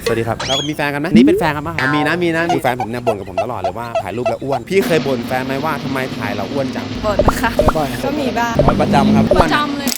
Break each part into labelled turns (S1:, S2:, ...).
S1: สวัสดีครับเรามีแฟนกันไหมนี่เป็นแฟนกันปะมีนะมีแฟนผมเนี่ยบ่นกับผมตลอดเลยว่าถ่ายรูปแล้วอ้วนพี่เคยบ่นแฟนไหมว่าทำไมถ่ายเราอ้วนจัง
S2: บ่นค่ะ
S1: บ่อย
S2: ก็มีบ้าง
S1: ประจำครับ
S2: ประจำเลย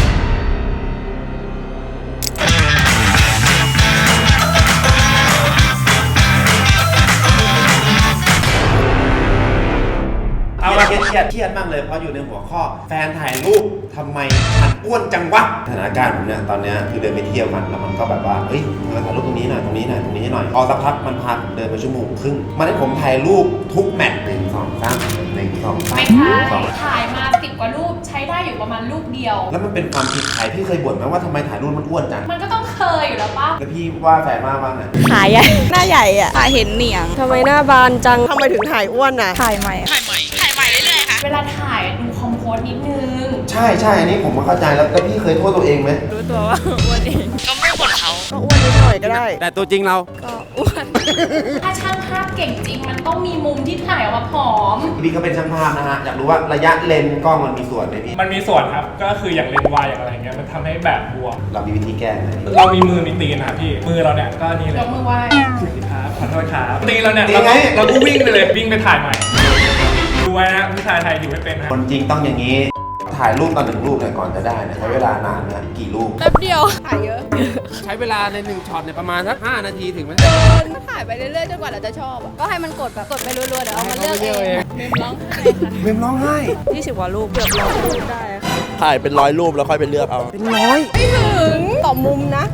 S1: เอาละเครียดมากเลยเพราะอยู่ในหัวข้อแฟนถ่ายรูปทำไมฉันอ้วนจังวะสถานการณ์ผมเนี่ยตอนนี้คือเดินไปเที่ยวกันแล้วมันก็แบบว่าเฮ้ยเราถ่ายรูปตรงนี้หน่อยตรงนี้หน่อยพอสักพักมันพาผมเดินไปชั่วโมงครึ่งมันให้ผมถ่ายรูปทุกแมตช์1 2 3 1 2 3
S3: ไม่ใช่ถ่ายมา10 กว่ารูปใช้ได้อยู่ประมาณรูปเดียว
S1: แล้วมันเป็นความผิดใครพี่เคยบ่นไหมว่าทำไมถ่ายรูปมันอ้วนจัง
S3: มันก็ต้องเคยอยู่แล้วป่ะ
S1: แล้วพี่ว่าแฟนมากบ้างน่ะ
S2: ขาใหญ่หน้าใหญ่อ่ะขาเห็นเหนียง
S4: ทำไมหน้าบานจังทำไมถึงถ่ายอ้วนน่ะ
S2: ถ่ายใหม่เรื่อยๆค่ะ
S3: เวลาถ่ายดูคอมโพสนิดนึง
S1: ใช่อันนี้ผมเข้าใจแล้วพี่เคยโทษตัวเองไหม
S2: รู้ตัวว่าอ้วนเอง
S4: ก็ไม่บ่นเขาก็อ้วนนิดหน่อยก็ได้
S1: แต่ตัวจริงเรา
S2: ก็อ้วน
S3: ถ้าช่างภาพเก่งจริงมันต้องมีมุมที่ถ่ายออกมาผอม
S1: พี่ก็เป็นช่างภาพนะฮะอยากรู้ว่าระยะเลนส์กล้องมันมีส่วนไหมพี่
S5: มันมีส่วนครับก็คืออย่างเลนส์วายอย่างอะไรเงี้ยมันทำให้แบบบวม
S1: เรามีวิธีแก้ไหม
S5: เรามีมือมีตีนนะครับพี่มือเราเนี่ยก็นี่เลย
S3: ยกมือไหว้
S5: สวัสดีครับขอโทษครับตีนเราเนี่ยเราก็วิ่งไปเลยวิ่งไปถ่ายใหม่ดูไว้นะผู้ชายไทยอยู่ไม่เป็นนะ
S1: คนจริงต้องอย่างนี้ถ่ายรูปตอน1 รูปเนี่ยก่อนจะได้เนี่ยใช้เวลานานนะกี่รูป
S2: แป๊บเดียวถ่ายเยอะ
S1: ใช้เวลาใน1ช็อตเนี่ยประมาณสัก5 นาทีถึงไหม
S2: ถ่ายไปเรื่อยๆจนกว่าเราจะชอบก็ให้มันกดไปรัวๆเดี๋ยวเอามาเลือกเอง
S1: เมมร้องไห้
S2: 20 กว่ารูปเกือบ100 รูปได้ค่ะ
S4: ถ่ายเป็น100 รูปแล้วค่อยไปเลือกเอา
S1: เป็น100
S2: ไม่ถึงต่อมุมนะ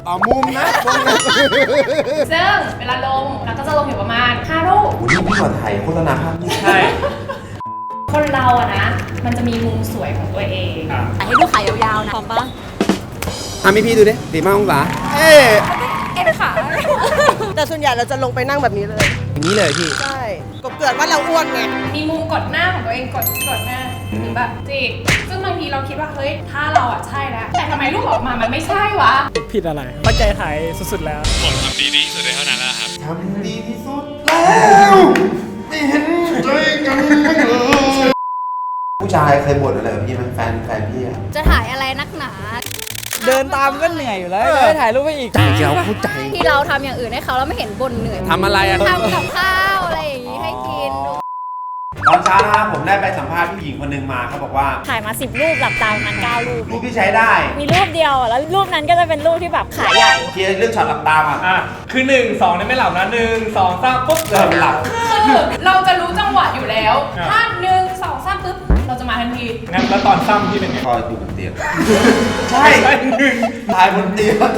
S3: ซึ่งเวลาลงเราก็จะลงอยู่ประมาณ5 รูป
S1: วันนี้พี่ขอถ่ายโฆษณาภาพนี่
S5: ใช่
S3: คนเราอะนะมันจะมีมุมสวยของตัวเอง
S2: ถ่ายให้ดูขายาวๆนะพร้อมปะ
S1: มีพี่ดูดิ45 องศา
S2: เอ็นขา
S4: แต่ส่วนใหญ่เราจะลงไปนั่งแบบนี้เลย
S1: อย่างนี้เลยพี่
S4: ใช่กบเกิดว่าเราอ้วนไง
S3: มีมุมกดหน้าของตัวเองกดหน้าหรือแบบจิกซึ่งบางทีเราคิดว่าเฮ้ยถ้าเราอะใช่แล้วแต่ทำไมรูปออกมามันไม่ใช่วะ
S5: ผิดอะไรตั้งใจถ่ายสุดๆแล้ว
S6: ผมทำดีที่สุดเลยเท่านั้นแล้วครับ
S1: ทำดีที่สุดแล้วไม่เห็นใจกันเลยผู้ชายเคยบ่นอะไรกับพี่ไหมแฟนพี่อะ
S2: จะถ่ายอะไรนักหนา
S5: เดินตามก็เหนื่อยอยู่แล้วถ่ายรูปไปอีก
S1: เราเข้าใจ
S2: ที่เราทำอย่างอื่นให้เขาแล้วไม่เห็นบ่นเหนื่อย
S1: ทำอะไรอะ
S2: ทำกับข้าวอะไรอย่างงี้ให้กิน
S1: ตอนเช้านะครับผมได้ไปสัมภาษณ์ผู้หญิงคนหนึ่งมาเขาบอกว่า
S7: ถ่ายมา10 รูปหลับตามัน9 รูป
S1: รูปที่ใช้ได้
S7: มีรูปเดียวแล้วรูปนั้นก็จะเป็นรูปที่แบบขาใหญ่
S1: เคลียร์เรื่องช็อตหลับตาอ่ะ
S5: คือ1 2เนี่ยไม่หลับนะ1 2 3ปุ๊บ
S1: หลับ
S3: คือเราจะรู้จังหวะอยู่แล้วถ้า1 2 3ปุ๊บเราจะมาทันที
S5: งั้นแล้วตอนซ้ำที่เป็นไง
S1: ก็อยู่บนเตียงใช่ถ่ายบนเตียง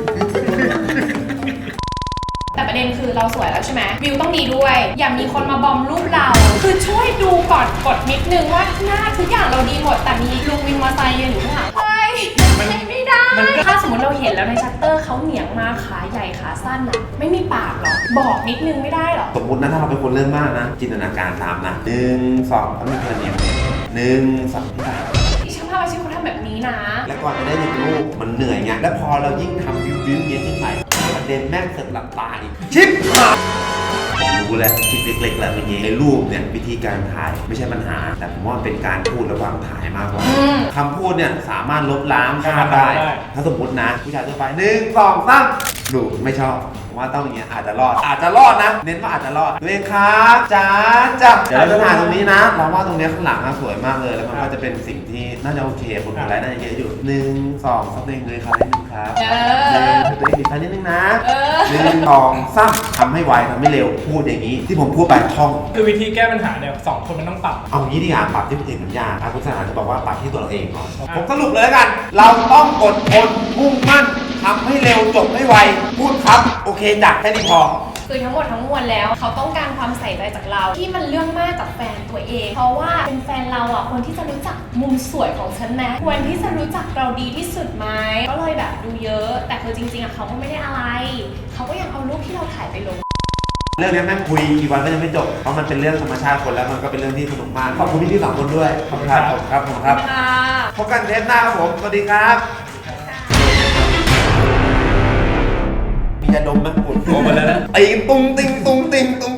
S3: แต่ประเด็นคือเราสวยแล้วใช่ไหมวิวต้องดีด้วยอย่ามีคนมาบอมรูปเราคือช่วยดูก่อนกดนิดนึงว่าหน้าทุกอย่างเราดีหมดแต่มีลุงวินมอเตอร์ไซค์ยืนอยู่ข้างหลังเฮ้ยไม่ได้ถ้าสมมติเราเห็นแล้วในชัตเตอร์เขาเหนียงมาขาใหญ่ขาสั้นอะไม่มีปากหรอบอกนิดนึงไม่ได้หรอ
S1: สมมตินะถ้าเราเป็นคนเริ่มมากนะจินตนาการตามนะ1 2แล้วมีคนเนีย1 2
S3: ที่ช่างภาพอาชีพเขาทำแบบนี้นะ
S1: แล้วก่อนจะได้1 รูปมันเหนื่อยไงแล้วพอเรายิ่งทำวิวเงี้ยขึ้นไปประเด็นแม่งเสร็จหลับตาอีกชิปรู้แล้วทิปเล็กๆแล้วอย่างนี้ในรูปเนี่ยวิธีการถ่ายไม่ใช่ปัญหาแต่ผมว่าเป็นการพูดระหว่างถ่ายมากกว่าคำพูดเนี่ยสามารถลบล้างภาพได้ถ้าสมมตินะผู้ชายทั่วไป1 2 3ดูไม่ชอบว่าต้องอย่างเงี้ยอาจจะรอดนะเน้นว่าอาจจะรอดตัวเองครับจ้าเดี๋ยวเราจะถ่ายตรงนี้นะเราว่าตรงนี้ข้างหลังสวยมากเลยแล้วมันก็จะเป็นสิ่งที่น่าจะโอเคคนกดไลค์น่าจะเยอะอยู่1 2สัก1เลยครับนิดนึงครับตัวเองมีไฟนิดนึงนะ1 2 3ทำให้ไวทำให้เร็วพูดอย่างนี้ที่ผมพูดไปท่อง
S5: คือวิธีแก้ปัญหาเนี่ย2 คนมันต้องปรับ
S1: เอางี้ดีกว่าปรับที่คนอื่นมันยากคุณสนานจะบอกว่าปรับที่ตัวเราเองก่อนผมสรุปเลยแล้วกันเราต้องอดทนมุ่งมั่นทำให้เร็วจบให้ไวพูดครับโอเคจัดแค่นี้พอ
S3: คือทั้งหมดทั้งมวลแล้วเขาต้องการความใส่ใจจากเราที่มันเรื่องมากกับแฟนตัวเองเพราะว่าเป็นแฟนเราอ่ะคนที่จะรู้จักมุมสวยของฉันนะควรที่จะรู้จักเราดีที่สุดไหมก็เลยแบบดูเยอะแต่คือจริงๆอ่ะเขาก็ไม่ได้อะไรเขาก็ยังเอารูปที่เราถ่ายไปลง
S1: เรื่องนี้แม่งคุยกี่วันก็ยังไม่จบเพราะมันเป็นเรื่องธรรมชาติคนแล้วมันก็เป็นเรื่องที่สนุกมากขอบคุณพี่ๆ2 คนด้วยขอบคุณครับผมครับพบกันเทปหน้าครับผมสวัสดีครับมียาดมไหมปวดหัวมาแล้วนะตีตุ้งติงตุ้งติงตุ้ง